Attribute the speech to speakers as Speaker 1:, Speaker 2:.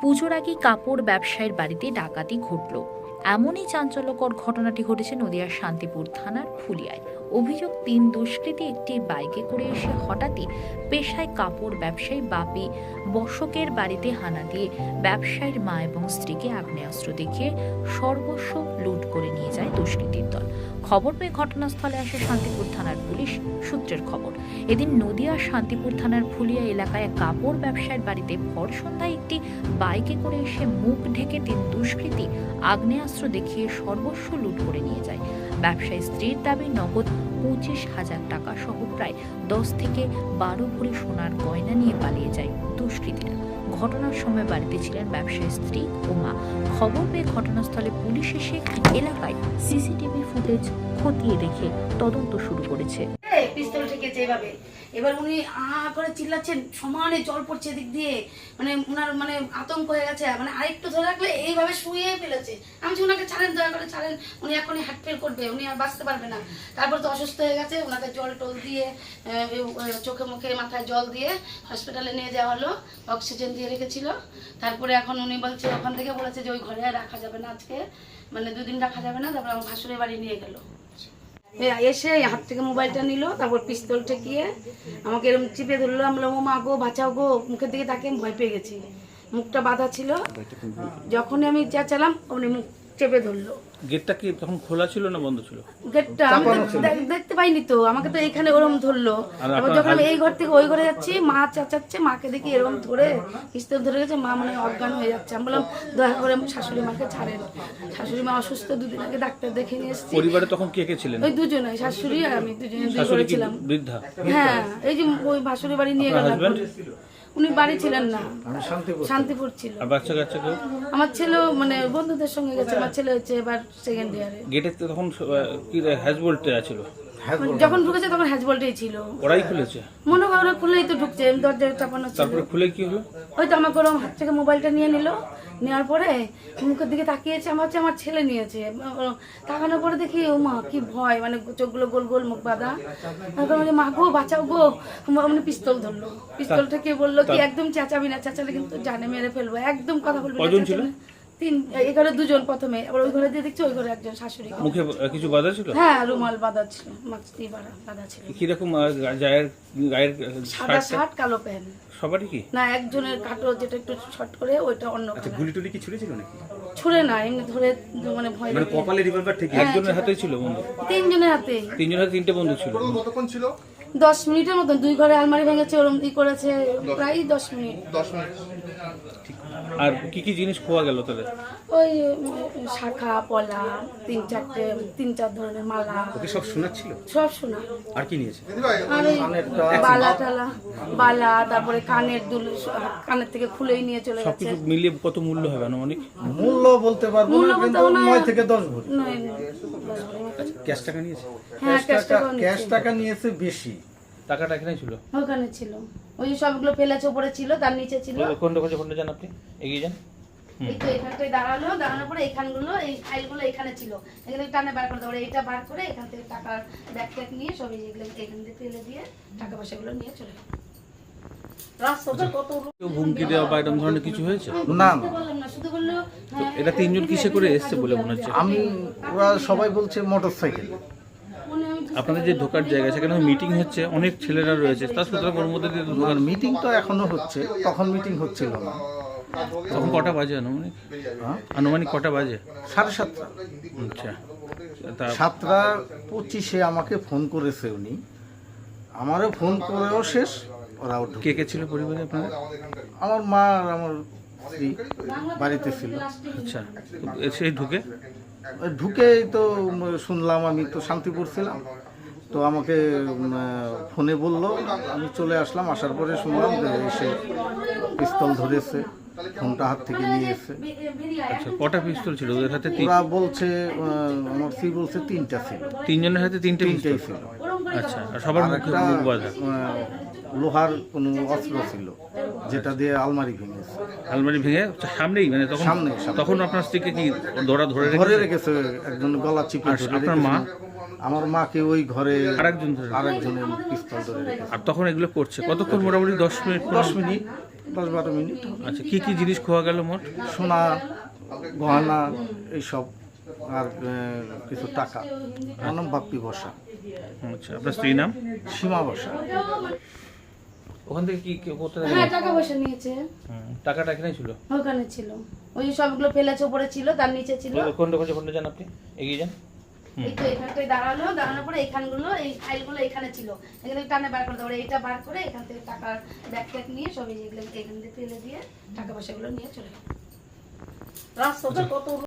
Speaker 1: পুজোর আগে কাপড় ব্যবসায়ীর বাড়িতে ডাকাতি ঘটল। এমনই চাঞ্চল্যকর ঘটনাটি ঘটেছে নদিয়ার শান্তিপুর থানার ফুলিয়ায়। অভিযোগ, 3 দুষ্কৃতী একটি বাইকে করে এসে হঠাৎই পেশায় কাপড় ব্যবসায়ী বাপি বসকের বাড়িতে হানা দিয়ে ব্যবসায়ীর মা এবং স্ত্রীকে আগ্নেয়াস্ত্র দেখিয়ে সর্বস্ব লুট করে নিয়ে যায় দুষ্কৃতীর দল। খবর পেয়ে ঘটনাস্থলে আসে শান্তিপুর থানার পুলিশ সূত্রের খবর। এদিন নদিয়ার শান্তিপুর থানার ফুলিয়া এলাকায় কাপড় ব্যবসায়ীর বাড়িতে ভর সন্ধ্যায় একটি বাইকে করে এসে মুখ ঢেকে 3 দুষ্কৃতী আগ্নেয়াস্ত্র দেখিয়ে সর্বস্ব লুট করে নিয়ে যায়। ব্যবসায়ী স্ত্রীর দাবি নগদ 25,000 টাকা সহ প্রায় 10 থেকে 12 ভরি সোনার গয়না নিয়ে পালিয়ে যায় দুষ্কৃতীরা। ঘটনার সময় বাড়িতে ছিলেন ব্যবসায়ী স্ত্রী ও মা। খবর পেয়ে ঘটনাস্থলে পুলিশ এসে এলাকায় সিসিটিভি ফুটেজ খতিয়ে দেখে তদন্ত শুরু করেছে।
Speaker 2: পিস্তল ঠেকেছে এভাবে। এবার উনি করে চিল্লাচ্ছেন, সমানে জল পড়ছে দিক দিয়ে, মানে ওনার মানে আতঙ্ক হয়ে গেছে, মানে আরেকটু ধরে রাখলে এইভাবে শুয়ে ফেলেছে। আমি ওনাকে ছাড়েন, দয়া করে ছাড়েন, উনি এখনই হার্ট ফেল করবে, উনি আর বাঁচতে পারবে না। তারপর তো অসুস্থ হয়ে গেছে, ওনাকে জল টল দিয়ে চোখে মুখে মাথায় জল দিয়ে হসপিটালে নিয়ে যাওয়া হলো, অক্সিজেন দিয়ে রেখেছিল। তারপরে এখন উনি বলছে, ওখান থেকে বলেছে যে ওই ঘরে আর রাখা যাবে না, আজকে মানে 2 দিন রাখা যাবে না। তারপর আমার ভাসুরের বাড়ি নিয়ে গেল। এসে হাত থেকে মোবাইলটা নিল, তারপর পিস্তল ঠেকিয়ে আমাকে এরকম চিপে ধরলো। আমি বললাম, ও মা গো, বাঁচাও গো। মুখের দিকে তাকে ভয় পেয়ে গেছি, মুখটা বাঁধা ছিল। যখনই আমি চেঁচালাম অমনি মুখ চেপে ধরলো।
Speaker 3: গেটটা কি তখন খোলা ছিল না বন্ধ ছিল?
Speaker 2: গেটটা আমি দেখতে পাইনি তো, আমাকে তো এখানে ওরকম ধরলো। তারপর যখন আমি এই ঘর থেকে ওই ঘরে যাচ্ছি, মা চেঁচাচ্ছে, মাকে দেখি এরকম ধরে পিস্তল ধরে গেছে। মা মানে অজ্ঞান হয়ে যাচ্ছে। আমি বললাম, দয়া করে শাশুড়ি মাকে ছাড়েন, শাশুড়ি মা অসুস্থ, 2 দিন আগে ডাক্তার দেখে নিয়ে এসেছি।
Speaker 3: পরিবারে তখন কে কে ছিলেন?
Speaker 2: ওই দুজনে, শাশুড়ি আর আমি, দুজনে দুই
Speaker 3: শাশুড়ি
Speaker 2: ঘরে
Speaker 3: কি
Speaker 2: ছিলাম।
Speaker 3: বৃদ্ধা?
Speaker 2: হ্যাঁ, এই যে ওই ভাসুরের বাড়ি নিয়ে গেলাম। উনি বাড়ি ছিলেন না, শান্তিপুর ছিল।
Speaker 3: আর বাচ্চা কাচ্চা কেউ?
Speaker 2: আমার ছেলে মানে বন্ধুদের সঙ্গে গেছে। আমার ছেলে হচ্ছে এবার 2nd ইয়ারে।
Speaker 3: গেটে তখন কি হ্যাজবোল্ট ছিল?
Speaker 2: যখন ঢুকেছে তখন হ্যাজবলটাই ছিল।
Speaker 3: ওরাই খুলেছে?
Speaker 2: মনে হয় ওরা খুলেই তো ঢুকছে, দরজা চাপানো ছিল।
Speaker 3: তারপরে খুলে কি হলো?
Speaker 2: ওই তো আমাকে ওরকম হাত থেকে মোবাইলটা নিয়ে নিল। নেওয়ার পরে মুখের দিকে তাকিয়েছে, আমার হচ্ছে আমার ছেলে নিয়েছে। তাকানোর পরে দেখি, ও মা কি ভয়, মানে চোখগুলো গোল গোল, মুখ বাঁধা। তারপর মানে, মা গো, বাঁচাও গো। মানে পিস্তল ধরলো। পিস্তল থেকে বললো কি, একদম চেঁচাবি না, চেঁচালে কিন্তু জানে মেরে ফেলবো, একদম কথা বলবি না।
Speaker 3: কজন ছিল?
Speaker 2: 3, এই ঘরে 2জন প্রথমে, আবার ওই ঘরে দিয়ে দেখছি ওই ঘরে একজন শাশুড়ি।
Speaker 3: মুখে কিছু বাধা ছিল?
Speaker 2: হ্যাঁ, রুমাল বাঁধা ছিল, মাস্ক দিয়ে বাঁধা ছিল।
Speaker 3: কিরকম গায়ের
Speaker 2: সাদা শার্ট, কালো প্যান্ট।
Speaker 3: সবারই কি?
Speaker 2: না, একজনের কাটো যেটা একটু শর্ট করে, ওইটা অন্য।
Speaker 4: গুলি টুলি কি ছুড়েছিল নাকি?
Speaker 2: ছুড়ে না, এমনি ধরে, মানে ভয়
Speaker 4: মানে
Speaker 2: লাগে।
Speaker 4: কপালে রিভলভার ঠিক
Speaker 3: একজনের হাতেই ছিল বন্দুক?
Speaker 2: 3 জনের হাতে।
Speaker 3: 3 জনের হাতে 3টে বন্দুক ছিল?
Speaker 5: কতক্ষণ ছিল?
Speaker 2: 10 মিনিটের মতন। 2 ঘরে আলমারি ভেঙেছে, ওরম করেছে, প্রায় 10 মিনিট।
Speaker 5: 10 মিনিট।
Speaker 3: আর কি কি জিনিস খোয়া গেল তাদের?
Speaker 2: ওই শাখা পলা, 3-4 ধরনের মালা।
Speaker 4: ওকে সব শোনাচ্ছিল?
Speaker 2: সব শোনা।
Speaker 4: আর কি নিয়েছে?
Speaker 2: আর ওই বালা টালা, বালা, তারপরে কানের দুল, কানের থেকে খুলেই নিয়ে চলে গেছে।
Speaker 3: সবকিছু মিলিয়ে কত মূল্য হবে আনুমানিক?
Speaker 6: মূল্য বলতে পারবো
Speaker 2: মূল্য
Speaker 6: না,
Speaker 2: বলতে
Speaker 6: কিন্তু
Speaker 2: মনে হয়
Speaker 6: 9 থেকে 10 ভরি।
Speaker 2: নয়,
Speaker 4: ক্যাশ টাকা নিয়েছে?
Speaker 2: হ্যাঁ,
Speaker 6: ক্যাশ টাকা নিয়েছে বেশি।
Speaker 3: টাকাটা এখানে ছিল?
Speaker 2: ওখানে ছিল। ওই যে সবগুলো ফেলেছে, উপরে ছিল, তার নিচে ছিল।
Speaker 3: কোনটা যান আপনি? এগিয়ে যান।
Speaker 2: এই তো এখানটায় দাঁড়ানোর পরে এইখানগুলো, এই ফাইলগুলো এখানে ছিল, এখানে টানে বার করতে পারে। এটা বার করে এখান থেকে টাকার ব্যাগ ট্যাগ নিয়ে সব এগুলো এখান থেকে ফেলে দিয়ে টাকা পয়সাগুলো নিয়ে চলে গেল। রাস্তাটা কত
Speaker 3: কেউ হুমকি দেওয়া বা এরকম ধরনের কিছু হয়েছে?
Speaker 6: না,
Speaker 2: বললাম না, শুধু বললো হ্যাঁ,
Speaker 3: এটা 3 জন কিসে করে এসেছে বলে মনে হচ্ছে?
Speaker 6: ওরা সবাই বলছে মোটরসাইকেল।
Speaker 3: আপনাদের যে ঢোকার জায়গা, সেখানে মিটিং হচ্ছে, অনেক ছেলেরা রয়েছে, তার সুতরাং ওর মধ্যে দিয়ে ঢোকার।
Speaker 6: মিটিং তো এখনো হচ্ছে, তখন মিটিং হচ্ছিল না।
Speaker 3: তখন কটা বাজে আনুমানিক?
Speaker 6: হ্যাঁ?
Speaker 3: আনুমানিক কটা বাজে?
Speaker 6: 7:30।
Speaker 3: আচ্ছা, তা
Speaker 6: 7:25 আমাকে ফোন করেছে উনি, আমারও ফোন করেও শেষ, ওরাও ঢুকে।
Speaker 3: কে কে ছিল পরিবারে আপনাদের?
Speaker 6: আমার মা আর আমার স্ত্রী বাড়িতে ছিল।
Speaker 3: আচ্ছা, সেই
Speaker 6: ঢুকেই তো শুনলাম, আমি তো শান্তিপুর ছিলাম, তো আমাকে ফোনে বললো, আমি চলে আসলাম। আসার পরে শুনলাম যে এসে পিস্তল ধরেছে, ফোনটা হাত থেকে নিয়ে এসে।
Speaker 3: আচ্ছা, কটা পিস্তল ছিল ওদের হাতে?
Speaker 6: ওরা বলছে, আমার স্ত্রী বলছে 3টা ছিল।
Speaker 3: 3 জনের হাতে 3টে পিস্তল
Speaker 6: 3টাই ছিল।
Speaker 3: আচ্ছা, আর সবার
Speaker 6: আর
Speaker 3: মুখে
Speaker 6: একটা
Speaker 3: মুখ বাঁধা?
Speaker 6: লোহার কোনো অস্ত্র ছিল, যেটা দিয়ে আলমারি ভেঙেছে।
Speaker 3: আলমারি ভেঙে সামনেই, মানে তখন
Speaker 6: সামনে।
Speaker 3: তখন আপনার স্ত্রীকে কি ধরে
Speaker 6: ধরে রেখেছে, একজন গলা চিপে
Speaker 3: আর
Speaker 6: ধরে
Speaker 3: আপনার মা?
Speaker 6: রেখেছে। আমার মাকে ওই ঘরে
Speaker 3: আরেকজনের
Speaker 6: পিস্তল ধরে রেখেছে।
Speaker 3: আর তখন এগুলো করছে কতক্ষণ? মোটামুটি 10 মিনিট।
Speaker 6: 10 মিনিট। 10-12 মিনিট হবে।
Speaker 3: আচ্ছা কি কি জিনিস খোয়া গেল মোট?
Speaker 6: সোনা, গহনা এইসব, আর কিছু টাকা। আমার নাম বাপ্পি বসা,
Speaker 3: আচ্ছা আপনার স্ত্রীর নাম?
Speaker 6: সীমা বসা।
Speaker 3: ওখান থেকে কি কোথায়
Speaker 2: হ্যাঁ টাকা পয়সা নিয়েছে,
Speaker 3: টাকাটা এখানে ছিল?
Speaker 2: ওখানে ছিল, ওই যে সবগুলো ফেলেছে, উপরে ছিল, তার নিচে ছিল।
Speaker 3: কোনটা যান আপনি, এগিয়ে যান।
Speaker 2: এই তো এখানটায় দাঁড়ানোর পরে এখানগুলো, এই ফাইলগুলো এখানে ছিল, এখানে টানে বার করে দেবো, এইটা বার করে এখান থেকে টাকার ব্যাগ ট্যাগ নিয়ে সব এগুলো এখান থেকে ফেলে দিয়ে টাকা পয়সাগুলো নিয়ে চলে গেল। রাস্তাটা কত